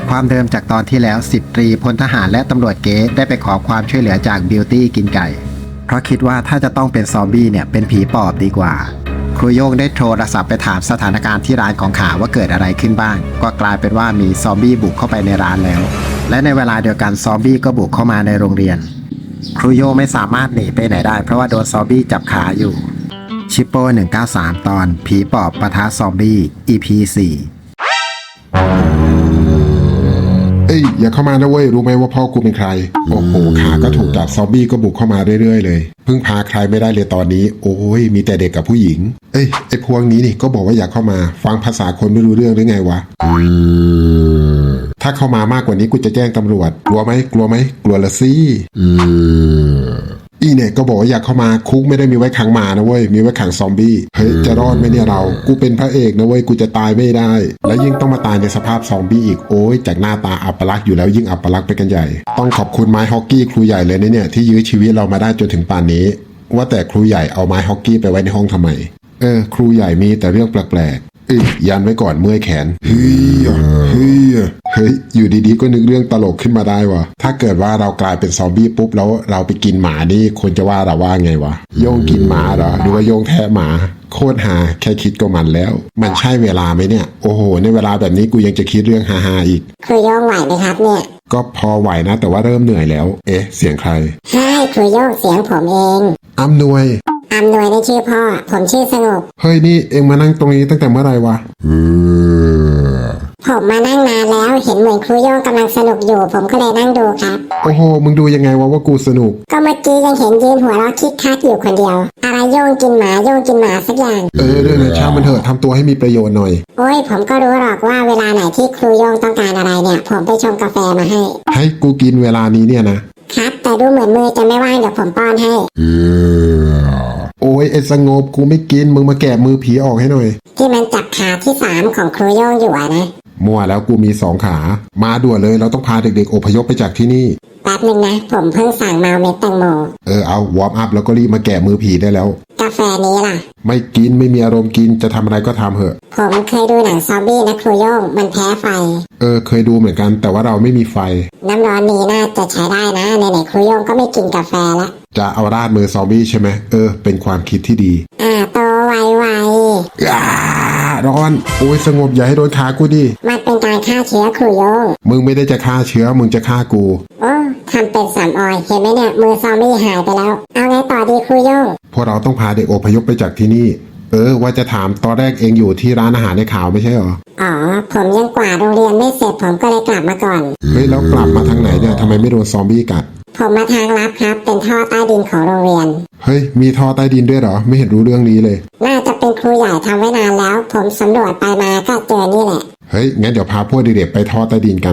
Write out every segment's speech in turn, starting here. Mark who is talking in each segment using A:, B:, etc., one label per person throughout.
A: ความเดิมจากตอนที่แล้ว10 ตรีพลทหารและตำรวจเก๊ได้ไปขอความช่วยเหลือจากบิวตี้กินไก่เพราะคิดว่าถ้าจะต้องเป็นซอมบี้เนี่ยเป็นผีปอบดีกว่าครูโย่งได้โทรศัพท์ไปถามสถานการณ์ที่ร้านของขาว่าเกิดอะไรขึ้นบ้างก็กลายเป็นว่ามีซอมบี้บุกเข้าไปในร้านแล้วและในเวลาเดียวกันซอมบี้ก็บุกเข้ามาในโรงเรียนครูโย่งไม่สามารถหนีไปไหนได้เพราะว่าโดนซอมบี้จับขาอยู่ชิปโป้193ตอนผีปอบปะทะซอมบี้ EP 4
B: เอ้ยอย่าเข้ามานะเว้ยรู้ไหมว่าพ่อกูเป็นใครโอ้โหขาก็ถูกจับซอมบี้ก็บุกเข้ามาเรื่อยๆเลยพึ่งพาใครไม่ได้เลยตอนนี้โอ้ยมีแต่เด็กกับผู้หญิงเอ้ยไอ้พวกนี้นี่ก็บอกว่าอยากเข้ามาฟังภาษาคนไม่รู้เรื่องหรือไงวะถ้าเข้ามามากกว่านี้กูจะแจ้งตำรวจกลัวไหมกลัวละสิอีเนี่ยก็บอกว่าอยากเข้ามาคุกไม่ได้มีไว้ขังหมานะเว้ยมีไว้ขังซอมบี้เฮ้ยจะรอดไหมเนี่ยเรากูเป็นพระเอกนะเว้ยกูจะตายไม่ได้และยิ่งต้องมาตายในสภาพซอมบี้อีกโอ้ยจากหน้าตาอัปลักษณ์อยู่แล้วยิ่งอัปลักษณ์ไปกันใหญ่ต้องขอบคุณไม้ฮอกกี้ครูใหญ่เลยนะเนี่ยที่ยื้อชีวิตเรามาได้จนถึงป่านนี้ว่าแต่ครูใหญ่เอาไม้ฮอกกี้ไปไว้ในห้องทำไมครูใหญ่มีแต่เรื่องแปลกยันไว้ก่อนเมื่อยแขนเฮ้ยอยู่ดีๆก็นึกเรื่องตลกขึ้นมาได้วะถ้าเกิดว่าเรากลายเป็นซอมบี้ปุ๊บแล้วเราไปกินหมานี่คนจะว่าเราว่าไงวะโยงกินหมาเหรอหรือว่าโยงแทะหมาโคตรหาแค่คิดก็มันแล้วมันใช่เวลาไหมเนี่ยโอ้โหในเวลาแบบนี้กูยังจะคิดเรื่องฮาๆอีก
C: ครูโย่งไหวไหมครับเนี่ย
B: ก็พอไหวนะแต่ว่าเริ่มเหนื่อยแล้วเสียงใคร
C: ใช่ครูโย่งเสียงผมเอง
B: อำนวย
C: นี่ชื่อพ่อผมชื่อสงบ
B: เฮ้ยนี่เอ็งมานั่งตรงนี้ตั้งแต่เมื่อไหร่วะ
C: ผมมานั่งนานแล้วเห็นเหมือนครูโย่งกำลังสนุกอยู่ผมก็เลยนั่งดูครับ
B: โอ้โหมึงดูยังไงวะว่ากูสนุก
C: ก็เมื่อกี้ยังเห็นยืนหัวเราะคิกคักอยู่คนเดียวอะไรโย่งกินหมาสักอย่าง
B: เรื่องนะช่างมันเถอะทำตัวให้มีประโยชน์หน่อย
C: โอ้ยผมก็รู้หรอกว่าเวลาไหนที่ครูโย่งต้องการอะไรเนี่ยผมไปชงกาแฟมาให้
B: กูกินเวลานี้เนี่ยนะครับ
C: แต่ดูเหมือนมือจะไม่ว่างเดี๋ยวผมป้อนให้
B: โอ้ยไอ้สงบกูไม่กินมึงมาแกะมือผีออกให้หน่อย
C: ที่มันจับขาที่3ของครูโย่งอยู่นะ
B: มั่วแล้วกูมี2ขามาด่วนเลยเราต้องพาเด็กๆอพยพไปจากที่นี่
C: แป๊บนึงนะผมเพิ่งสั่งมาเม็ดแตงโม
B: เอาวอร์มอัพแล้วก็รีบมาแกะมือผีได้แล้ว
C: กาแฟนี้ล่ะ
B: ไม่กินไม่มีอารมณ์กินจะทำอะไรก็ทำเถอะ
C: ผมเคยดูหนังซอมบี้นะครูโย่งมันแพ้ไฟ
B: เคยดูเหมือนกันแต่ว่าเราไม่มีไฟ
C: น้ำร้อนนี้น่าจะใช้ได้นะไหนๆครูโย่งก็ไม่กินกาแฟแล้ว
B: จะเอาราดมือซอมบี้ใช่ไหมเป็นความคิดที่ดี
C: โตไว
B: ร้อนโอ้ยสงบอย่าให้โดนขากูดิ
C: มันเป็นการฆ่าเชื้อครูโย่ง
B: มึงไม่ได้จะฆ่าเชื้อมึงจะฆ่ากู
C: โอ้ทำเป็นสามออยเห็นไหมเนี่ยมือซอมบี้หายไปแล้วเอาไงต่อดีครูโย่ง
B: พวกเราต้องพาเด็กอพยพไปจากที่นี่ว่าจะถามตอนแรกเองอยู่ที่ร้านอาหารในข่าวไม่ใช่หรอ
C: ผมยังกวาดโรงเรียนไม่เสร็จผมก็เลยกลับมาก่อน
B: เฮ้ยแล้วกลับมาทางไหนเนี่ยทำไมไม่โดนซอมบี้กัด
C: ผมมาทางลับครับเป็นท่อใต้ดินของโรงเรียน
B: เฮ้ยมีท่อใต้ดินด้วยเหรอไม่เห็นรู้เรื่องนี้เลย
C: น่าจะเป็นครูใหญ่ทำไว้นานแล้วผมสำรวจไปมาก็เจอนี่แหละ
B: เฮ้ยงั้นเดี๋ยวพาพวกเด็กๆไปท่อใต้ดินกัน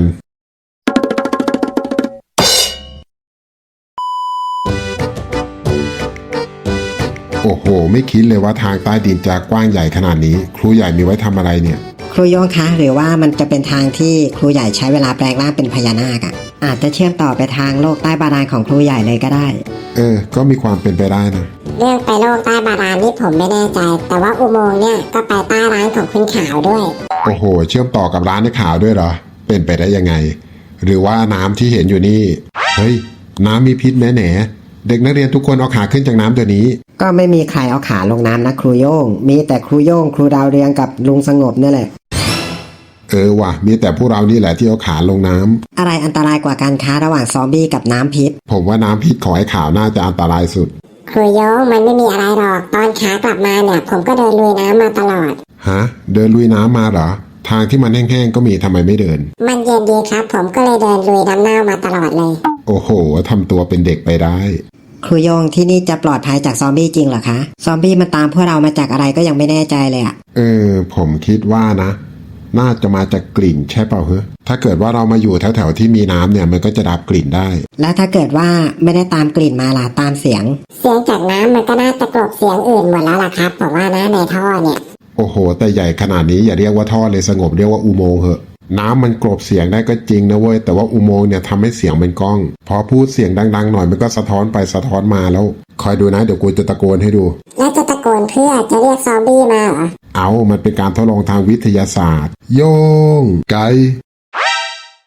B: โอ้โหไม่คิดเลยว่าทางใต้ดินจะกว้างใหญ่ขนาดนี้ครูใหญ่มีไว้ทำอะไรเนี่ย
D: ครูโย่งคะหรือว่ามันจะเป็นทางที่ครูใหญ่ใช้เวลาแปลงร่างเป็นพญานาคอาจจะเชื่อมต่อไปทางโลกใต้บาดาลของครูใหญ่เลยก็ได้
B: ก็มีความเป็นไปได้นะ
C: เรื่องไปโลกใต้บาดาลนี่ผมไม่แน่ใจแต่ว่าอุโมงค์เนี่ยก็ไปใต้ร้านของคุณขาวด้วย
B: โอ้โหเชื่อมต่อกับร้านในข่าวด้วยเหรอเป็นไปได้ยังไงหรือว่าน้ำที่เห็นอยู่นี่เฮ้ยน้ำมีพิษแน่เด็กนักเรียนทุกคนเอาขาขึ้นจากน้ำเดี๋ยวนี้
D: ก็ไม่มีใครเอาขาลงน้ำนะครูโย่งมีแต่ครูโย่งครูดาวเรืองกับลุงสงบนี่แหละ
B: ว่ะมีแต่พวกเรานี่แหละที่เอาขาลงน้ำ
D: อะไรอันตรายกว่าการค้าระหว่างซอมบี้กับน้ำพิษ
B: ผมว่าน้ำพิษของไอ้ขาวน่าจะอันตรายสุด
C: ครูโย่งมันไม่มีอะไรหรอกตอนขากลับมาเนี่ยผมก็เดินลุยน้ำมาตลอด
B: เดินลุยน้ำมาเหรอทางที่มันแห้งๆก็มีทำไมไม่เดิน
C: มันเย็นดีครับผมก็เลยเดินลุยน้ำเน่ามาตลอดเลย
B: โอ้โหทำตัวเป็นเด็กไปได้
D: ครูโย่งที่นี่จะปลอดภัยจากซอมบี้จริงเหรอคะซอมบี้มันตามพวกเรามาจากอะไรก็ยังไม่แน่ใจเลย
B: ผมคิดว่านะน่าจะมาจากกลิ่นใช่เปล่าถ้าเกิดว่าเรามาอยู่แถวๆที่มีน้ำเนี่ยมันก็จะดับกลิ่นได้
D: แล้วถ้าเกิดว่าไม่ได้ตามกลิ่นมาล่ะตามเสียง
C: จากน้ำมันก็น่าจะกลบเสียงอื่นหมดแล้วล่ะครับผมว่านะในท่อเนี่ย
B: โอ้โหแต่ใหญ่ขนาดนี้อย่าเรียกว่าท่อเลยสงบเรียกว่าอุโมงค์เหอะน้ำมันกลบเสียงได้ก็จริงนะเว้ยแต่ว่าอุโมงค์เนี่ยทำให้เสียงเป็นก้องพอพูดเสียงดังๆหน่อยมันก็สะท้อนไปสะท้อนมาแล้วคอยดูนะเดี๋ยวกูจะตะโกนให้ดู
C: แล้วจะตะโกนเพื่อจะเรียกซอมบี้มาเหรอ
B: มันเป็นการทดลองทางวิทยาศาสตร์โยงไก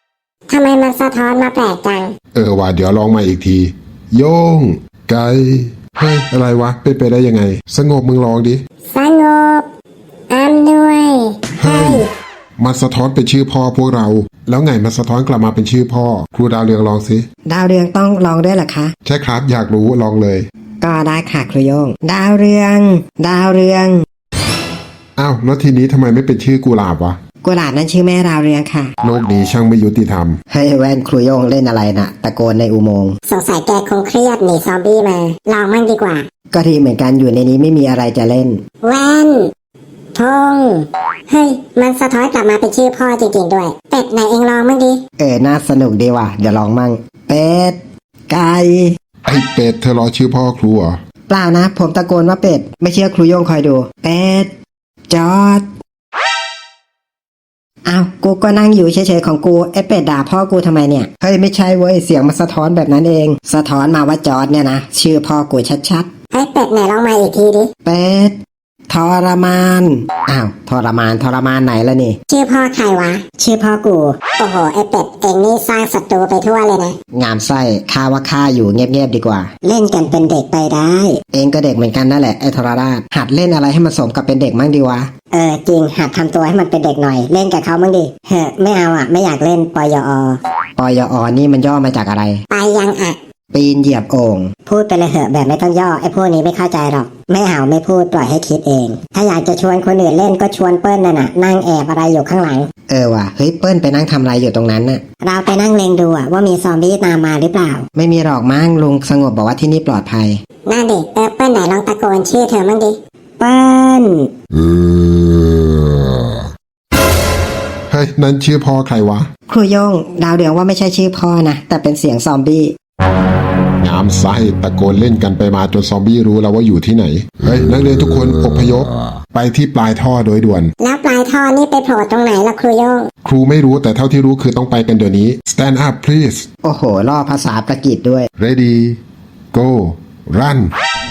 C: ทำไมมันสะท้อนมาแปลกจัง
B: ว่าเดี๋ยวลองมาอีกที โย่งไก่เฮ้ยอะไรวะเป็นไปได้ยังไง สงบมึงลองดิ
C: สงบอำนวย
B: เฮ้ยมันสะท้อนเป็นชื่อพ่อพวกเรา แล้วไงมันสะท้อนกลับมาเป็นชื่อพ่อ ครูดาวเรืองลองสิ
D: ดาวเรืองต้องลองด้วยเหรอคะ
B: ใช่ครับอยากรู้ลองเลย
D: ก็ได้ค่ะครูโยง ดาวเรือง ดาวเรือง
B: อ้าวแล้วทีนี้ทำไมไม่เป็นชื่อกุหลาบวะ
D: กุหลาบนั้นชื่อแม่ดาวเรืองค่ะ
B: โลกนี้ช่างไม่ยุติธรรม
D: เฮ้ยแว่นครูโยงเล่นอะไรนะตะโกนในอุโมงค์
C: สงสัยแกคงเครียดหนีซอมบี้มา ลองมั่งดีกว่า
D: ก็ดีเหมือนกันอยู่ในนี้ไม่มีอะไรจะเล่น
C: แว่นธงเฮ้ย มันสะท้อนกลับมาเป็นชื่อพ่อจริงๆด้วย เป็ดไหนเองลองมั่งดิ
D: น่าสนุกดีว่ะเดี๋ยวลองมั่งเป็ดไก่
B: ไอ้เป็ดเธอรอชื่อพ่อครูเหรอ
D: เปล่านะ ผมตะโกนว่าเป็ด ไม่เชื่อครูโยงคอยดู เป็ด จอดอ้าวกูก็นั่งอยู่เฉยๆของกูไอ้เป็ดด่าพ่อกูทำไมเนี่ย เฮ้ยไม่ใช่เว้ยเสียงมันสะท้อนแบบนั้นเอง สะท้อนมาว่าจอดเนี่ยนะชื่อพ่อกูชัด
C: เฮ้ยเป็ดไหนลองมาอีกทีดิ
D: ๆ เป็ดทรมานอ้าวทรมานไหนละนี่
C: ชื่อพ่อใครวะ ชื่อพ่อกู โอ้โห ไอเป็ดเองนี่สร้างศัตรูไปทั่วเลยนะ
D: งามไส้ข้าว่าข้าอยู่เงียบๆดีกว่า
C: เล่นกันเป็นเด็กไปได้
D: เองก็เด็กเหมือนกันนั่นแหละไอ้ทรราชหัดเล่นอะไรให้มันสมกับเป็นเด็กมั่งดีวะ
C: จริงหัดทำตัวให้มันเป็นเด็กหน่อย เล่นกับเขามั่งดิเฮ้ไม่เอาอ่ะ ไม่อยากเล่นปยอ
D: ปยอนี่มันย่อมาจากอะไร
C: ไปยังอ่ะ
D: ปีนเหยียบโอ่ง
C: พูดไปเลยเหอะแบบไม่ต้องย่อไอ้พวกนี้ไม่เข้าใจหรอก ไม่เอาไม่พูดปล่อยให้คิดเอง ถ้าอยากจะชวนคนอื่นเล่นก็ชวนเปิ้ลน่ะนั่งแอบอะไรอยู่ข้างหลัง
D: ว่ะเฮ้ยเปิ้ลไปนั่งทำอะไรอยู่ตรงนั้นน่ะ
C: เราไปนั่งเล็งดูอะว่ามีซอมบี้ตามมาหรือเปล่า
D: ไม่มีหรอกมั้งลุงสงบบอกว่าที่นี่ปลอดภัย
C: นั่นดิเปิ้ลไหนลองตะโกนชื่อเธอมั่งดิเปิ้ล
B: เฮ้ยนั่นชื่อพ่อใครวะ
D: ครูโยงดาวเดืองว่าไม่ใช่ชื่อพ่อนะแต่เป็นเสียงซอมบี้
B: งามไส้ตะโกนเล่นกันไปมาจนซอมบี้รู้แล้วว่าอยู่ที่ไหน เฮ้ยนักเรียนทุกคนอพยพไปที่ปลายท่อโดยด่วน
C: แล้วปลายท่อนี่ไปโผล่ตรงไหนล่ะครูโยง
B: ครูไม่รู้แต่เท่าที่รู้คือต้องไปกันเดี๋ยวนี้ stand up please
D: โอ้โหล่อภาษาประกิตด้วย
B: ready go run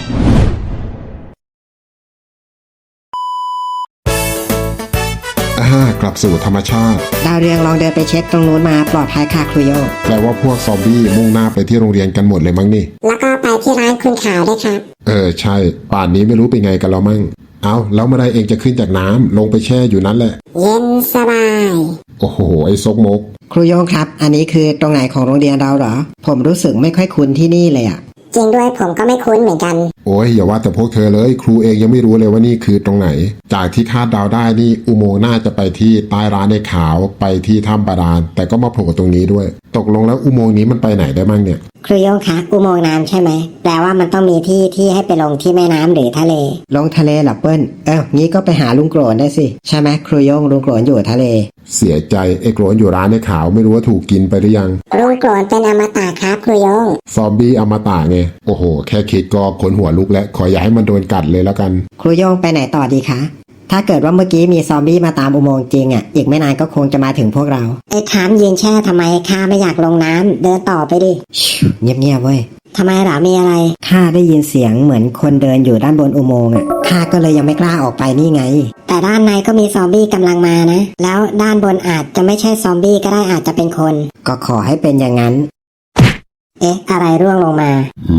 B: กลับสู่ธรรมชาติ
D: ดาวเรืองลองเดินไปเช็คตรงนู้นมาปลอดภัยค่ะครูโยง
B: แปลว่าพวกซอมบี้มุ่งหน้าไปที่โรงเรียนกันหมดเลยมั้งนี่
C: แล้วก็ไปที่ร้านคุณขาวด้วยครับ
B: ใช่ป่านนี้ไม่รู้เป็นไงกันแล้วมั่งเอาแล้วเมื่อไรเองจะขึ้นจากน้ำลงไปแช่อยู่นั้นแหละ
C: เย็นสบาย
B: โอ้โหไอ้ซกมก
D: ครูโยงครับ อันนี้คือตรงไหนของโรงเรียนเราเหรอ ผมรู้สึกไม่ค่อยคุ้นที่นี่เลยอะ
C: จริงด้วยผมก็ไม่คุ้นเหมือนกัน
B: โอ้ยอย่าว่าแต่พวกเธอเลย ครูเองยังไม่รู้เลยว่านี่คือตรงไหน จากที่คาดเดาได้นี่อุโมงค์น่าจะไปที่ใต้ร้านในขาวไปที่ถ้ำบาดาลแต่ก็มาโผล่ตรงนี้ด้วย ตกลงแล้วอุโมงค์นี้มันไปไหนได้บ้างเนี่ย
C: ครูโยงคะอุโมงค์น้ำใช่ไหมแปลว่ามันต้องมีที่ให้ไปลงที่แม่น้ำหรือทะเล
D: ลงทะเลเหรอเปิ้ลงี้ก็ไปหาลุงโกรนได้สิใช่ไหมครูโยงลุงโกรนอยู่ทะเล
B: เสียใจไอ้โกรนอยู่ร้านในขาวไม่รู้ว่าถูกกินไปหรือยัง
C: ลุงโกรนเป็นอมตะครับครูโยง
B: ซอมบี้อมตะไงโอ้โหแค่คิดก็ขนหัวลุกและขออย่าให้มันโดนกัดเลยแล้วกัน
D: ครูโยงไปไหนต่อดีคะ ถ้าเกิดว่าเมื่อกี้มีซอมบี้มาตามอุโมงค์จริงอ่ะอีกไม่นานก็คงจะมาถึงพวกเรา
C: ไอ้ถามยืนแช่ทำไมข้าไม่อยากลงน้ำเดินต่อไปดิ
D: เงียบๆเว้ย
C: ทำไมหรอมีอะไร
D: ข้าได้ยินเสียงเหมือนคนเดินอยู่ด้านบนอุโมงค์อ่ะข้าก็เลยยังไม่กล้าออกไปนี่ไง
C: แต่ด้านในก็มีซอมบี้กำลังมานะ แล้วด้านบนอาจจะไม่ใช่ซอมบี้ก็ได้อาจจะเป็นคน
D: ก็ขอให้เป็นอย่างนั้น
C: อะไรร่วงลงมา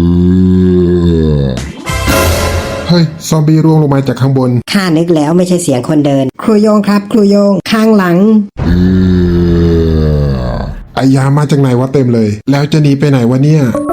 B: เฮ้ยซอมบี้ร่วงลงมาจากข้างบน
D: ข้านึกแล้วไม่ใช่เสียงคนเดิน ครูโยงครับครูโยงข้างหลัง
B: ไอยามาจากไหนวะเต็มเลย แล้วจะหนีไปไหนวะเนี่ย